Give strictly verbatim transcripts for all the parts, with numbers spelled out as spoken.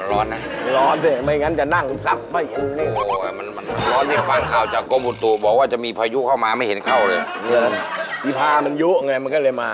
ร้อนนะร้อนเลยไม่งั้นจะนั่งซับไม่อย่างนี้โอ้ยมันมันร้อนนี่ฟังข่าวจากกรมอุตุบอกว่าจะมีพายุเข้ามาไม่เห็นเข้าเลยเอออีพามันยุไงมันก็เลยมา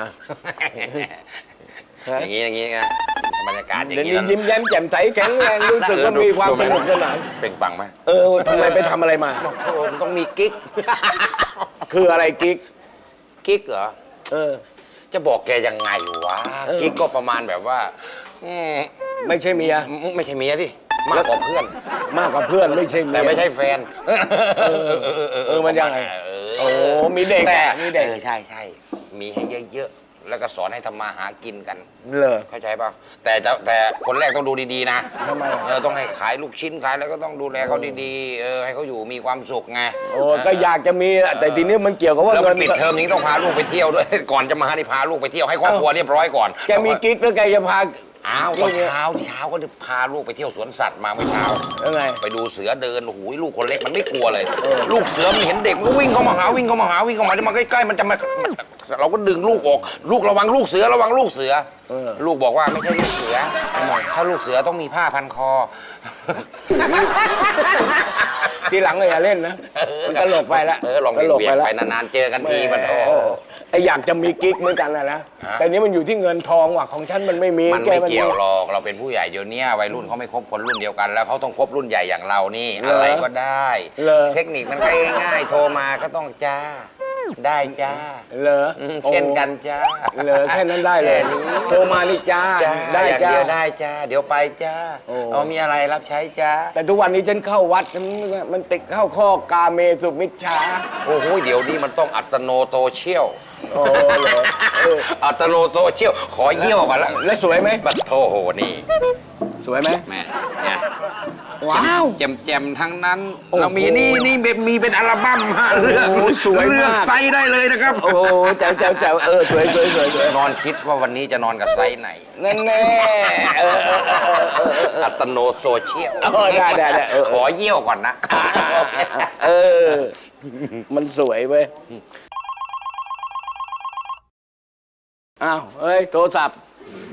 อย่างนี้อย่างนี้ไงบรรยากาศอย่างนี้นี้ยิ้มแย้มแจ่มใสแข็งแรงรู้สึกว่ามีความสนุกสนานเปล่งปังไหมเออทำไมไปทำอะไรมาโอ้มันต้องมีกิ๊กคืออะไรกิ๊กกิ๊กเหรอเออจะบอกแกยังไงวะกิ๊กก็ประมาณแบบว่าไม่ใช่เมียไม่ใช่เมียที่มากกว่าเพื่อนมากกว่าเพื่อนไม่ใช่แต่ไม่ใช่แฟนเออเออมันยังไงโอ้มีเด็กแต่มีเด็กใช่ใช่มีให้เยอะๆแล้วก็สอนให้ทำมาหากินกันเลยเข้าใจป่ะแต่จะแต่คนแรกต้องดูดีๆนะทำไมเออต้องให้ขายลูกชิ้นขายแล้วก็ต้องดูแลเขาดีๆเออให้เขาอยู่มีความสุขไงโอ้ก็อยากจะมีแต่ทีนี้มันเกี่ยวกับว่าเงินปิดเทอมนี้ต้องพาลูกไปเที่ยวด้วยก่อนจะมานี่พาลูกไปเที่ยวให้ครอบครัวเรียบร้อยก่อนแกมีกิ๊กแล้วแกจะพาอ้าวตอนเช้าเช้าก็พาลูกไปเที่ยวสวนสัตว์มาเมื่อเช้ายังไงไปดูเสือเดินโอ้โหลูกคนเล็กมันไม่กลัวเลยลูกเสือมันเห็นเด็กมันวิ่งเข้ามาหาวิ่งเข้ามาหาวิ่งเข้ามาจะมาใกล้ๆมันจะมาเราก็ดึงลูกออกลูกระวังลูกเสือระวังลูกเสือลูกบอกว่าไม่ใช่ลูกเสือถ้าลูกเสือต้องมีผ้าพันคอทีหลังเลยอย่าเล่นนะมันตลกไปละเออลองเบี่ยงไปนานๆเจอกันทีมันโอ้ไออยากจะมีกิ๊กเหมือนกันนะนะแต่นี้มันอยู่ที่เงินทองว่ะของฉันมันไม่มีมันไม่เกี่ยวหรอกเราเป็นผู้ใหญ่เดี๋ยวนี้วัยรุ่นเขาไม่คบคนรุ่นเดียวกันแล้วเขาต้องคบรุ่นใหญ่อย่างเรานี่อะไรก็ได้เทคนิคมันง่ายๆโทรมาก็ต้องจ้าได้จ้าเหรอเช่นกันจ้าเหรอแค่นั้นได้เลยโทรมานี่จ้าได้จ้าเดี๋ยวได้จ้าเดี๋ยวไปจ้าเอามีอะไรรับใช้จ้าแต่ทุกวันนี้ฉันเข้าวัดมันติดเข้าข้อกาเมสุมิชฌาโอ้โหเดี๋ยวนี้มันต้องอัตโนโตเชียลโอ้เหรออัตโนโซเชียลขอเยี่ยวก่อนละแล้วสวยไหมบัดโทโหนี่สวยไหมแม่เนี่ยว้าวแจ่มๆทั้งนั้นเรามีนี่นี่มีเป็นอัลบั้มฮะเลือกสวยเลือกไซส์ได้เลยนะครับโอ้แจ๋วแจ๋วแจ๋วเออสวยสวยสวยนอนคิดว่าวันนี้จะนอนกับไซส์ไหนแน่แน่อัตโนโซเชียลได้ได้ได้ขอเยี่ยวก่อนนะเออมันสวยเว้ยอ้าวเฮ้ยโทรศัพท์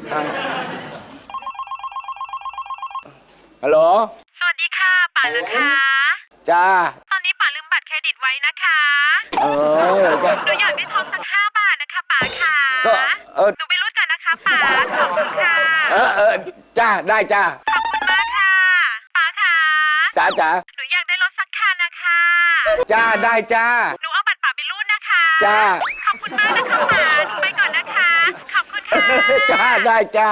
ฮัลโหลสวัสดีค่ะป๋าเหรอคะจ้าตอนนี้ป๋าลืมบัตรเครดิตไว้นะคะเออหนูอยากได้ทองสักห้าบาทนะคะป๋าค่ะเออหนูไปรูดกันนะคะป๋าขอบคุณค่ะเออเออจ้าได้จ้าขอบคุณมากค่ะป๋าค่ะจ้าจ้าหนูอยากได้รถสักคันนะคะจ้าได้จ้าหนูเอาบัตรป๋าไปรูดนะคะจ้าขอบคุณมากนะคะป๋าหนูไปก่อนนะคะขอบคุณค่ะจ้าได้จ้า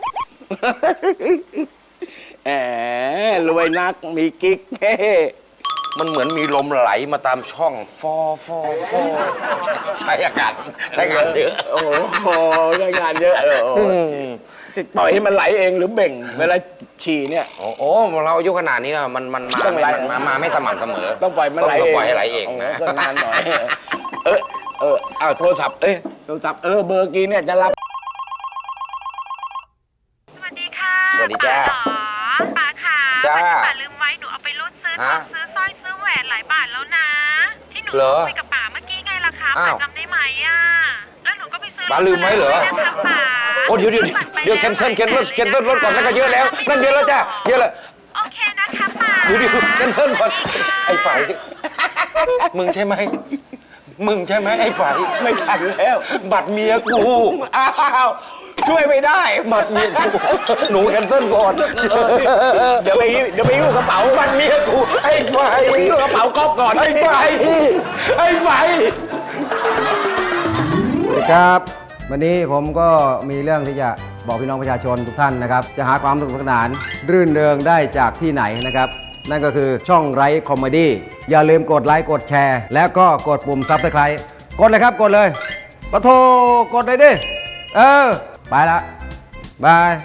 แหมรวยนักมีกิ๊กมันเหมือนมีลมไหลมาตามช่องฟอฟอฟอใช้อากาศใช้งานเยอะโอ้โหใช้งานเยอะเลยปล่อยให้มันไหลเองหรือเบ่งเวลาฉี่เนี่ยโอ้โหเราอายุขนาดนี้นะมันมันมามามาไม่สม่ำเสมอต้องปล่อยมันไหลเองปล่อยให้ไหลเองนะก็นานหน่อยเออเอออ้าวโทรศัพท์เอ้ยโทรศัพท์เออเบอร์กี้เนี่ยจะรับสวัสดีค่ะสวัสดีจ้าป๋าค่ะจ้าป๋าลืมไว้หนูเอาไปรูดซื้อทองซื้อสร้อยซื้อแหวนหลายบาทแล้วนะที่หนูคุยกับป๋าเมื่อกี้ไงล่ะคะป๋าจำได้ไหมอ่ะแล้วหนูก็ไปซื้อป๋าลืมไว้เหรอโอ้เดี๋ยวเดี๋ยวเดี๋ยวแคนเซิลแคนเซิลแคนเซิลรถก่อนนั่นก็เยอะแล้วนั่นเยอะแล้วจ้าเยอะแล้วโอเคนะคะป๋าเดี๋ยวเดี๋ยวแคนเซิลก่อนไอ้ฝ่ายมึงใช่ไหมมึงใช่ไหมไอ้ฝ่ายไม่ทันแล้วบัตรเมียกูอ้าวช่วยไม่ได้บัตรเมียกูหนูแคนเซิลก่อนเดี๋ยวไปเดี๋ยวไปยิ้วกระเป๋าบัตรเมียกูไอ้ฝ่ายไปยิ้วกระเป๋าก๊อฟก่อนไอ้ฝ่ายไอ้ฝ่ายสวัสดีครับวันนี้ผมก็มีเรื่องที่จะบอกพี่น้องประชาชนทุกท่านนะครับจะหาความสนุกสนานรื่นเริงได้จากที่ไหนนะครับนั่นก็คือช่องไร้คอมเมดี้อย่าลืมกดไลค์กดแชร์แล้วก็กดปุ่มซับสไครบ์กดเลยครับกดเลยปะโทกดเลยดิเออไปละบาย